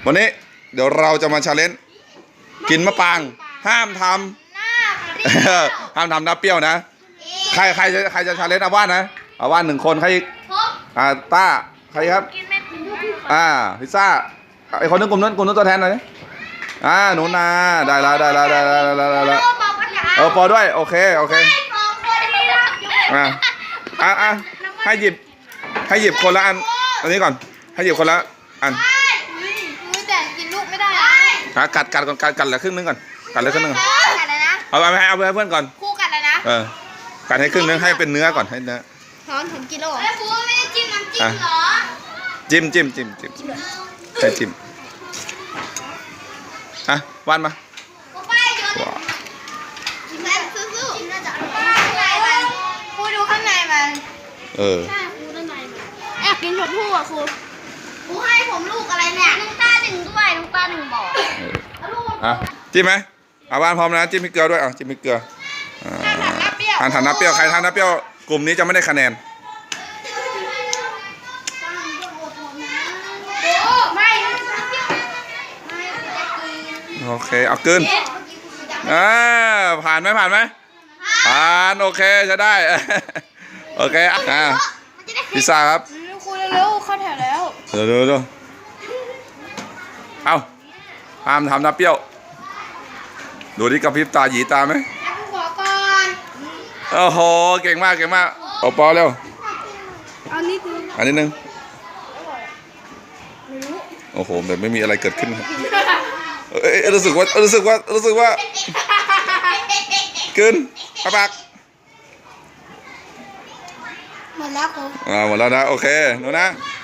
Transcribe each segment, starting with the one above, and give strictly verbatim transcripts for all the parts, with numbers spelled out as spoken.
วันนี้เดี๋ยวเราจะมาชาเลนจ์กินมะปรางห้ามทำห้ามทำน้ำเปรี้ยวนะใครใครจะใครจะชาเลนจ์อาว่านนะอาว่านหนึ่งคนใครอ่าต้าใครครับอ่าพิซซ่าไอคนนึงกลุ่มนั้นกลุ่มนั้นตัวแทนหน่อยอ่าหนูนาได้แล้วได้แล้วได้แล้วได้แล้วได้แล้วเออปอด้วยโอเคโอเคอ่าอ่าอ่าให้หยิบให้หยิบคนละอันอันนี้ก่อนให้หยิบคนละอันแต่กินลูกไม่ได้นะกัดกัดก่อนกัดกัดเหลือครึ่งนึงก่อนกัดเหลือครึ่งนึงกัดเลยนะเอาไปให้เอาไปให้เพื่อนก่อนคู่กัดเลยนะเออกัดให้ครึ่งนึงให้เป็นเนื้อก่อนให้เนื้อหอมถึงกิโลไอ้ครูไม่ได้จิ้มน้ำจิ้มหรอจิ้มจิ้มจิ้มจิ้มใช่จิ้มอ่ะวานมาครูดูข้างในมันเออใช่ครูด้านในมันแอบกินชมพู่อ่ะครูครูให้ผมลูกอะไรเนี่ยน้ำตาหนึ่งด้วยน้ำตาหนึ่งบอกอ่ะจิ้มไหมอ่ะวานพร้อมนะจิ้มพริกเกลือด้วยอ่ะจิ้มพริกเกลือทานทานน้ำเปรี้ยวใครทานน้ำเปรี้ยวกลุ่มนี้จะไม่ได้คะแนนโอเคเอากินอ่าผ่านไหมผ่านไหมผ่านโอเคจะได้โอเคอ่ะพิซซ่าครับครูเร็วๆเข้าแถวแล้วเร็วเร็วเร็วเอาห้ามทำน้ำเปรี้ยวดูที่กระพริบตาหยีตาไหมขอก่อนโอ้โหเก่งมากเก่งมากโอปอเร็วอันนี้คืออันนี้นึงโอ้โหแบบไม่มีอะไรเกิดขึ้นเอ้ยรู้สึกว่ารู้สึกว่ารู้สึกว่ากินปะปักหมดแล้วครูอ่าหมดแล้วนะโอเคหนูนะ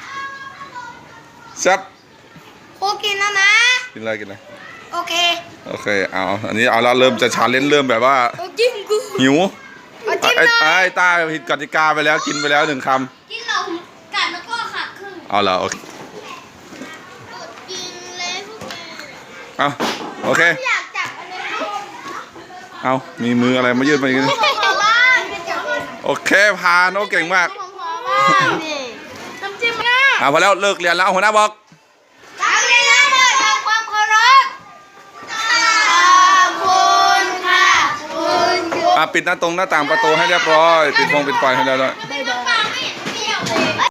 ซับครูกินแล้วนะกินอะไรกินอะไรโอเคโอเคเอาอันนี้เอาละเริ่มจะชาเลนจ์เริ่มแบบว่าหิวไอ้ไอ้ตาผิดกติกาไปแล้วกินไปแล้วหนึ่งคำกินเรากัดแล้วก็ขาดครึ่งเอาละโอเคกินเลยเอาโอเคเอามีมืออะไรมายืดมาอย่างนี้โอเคผ่านโอเก่งมากน้ำจิ้มง่ายอ่าพอแล้วเลิกเรียนแล้วหัวหน้าบอกนักเรียนทั้งหมดทำความเคารพขอบคุณค่ะคุณครูอ่าปิดหน้าตรงหน้าต่างประตูให้เรียบร้อยปิดฟงปิดไฟให้เรียบร้อย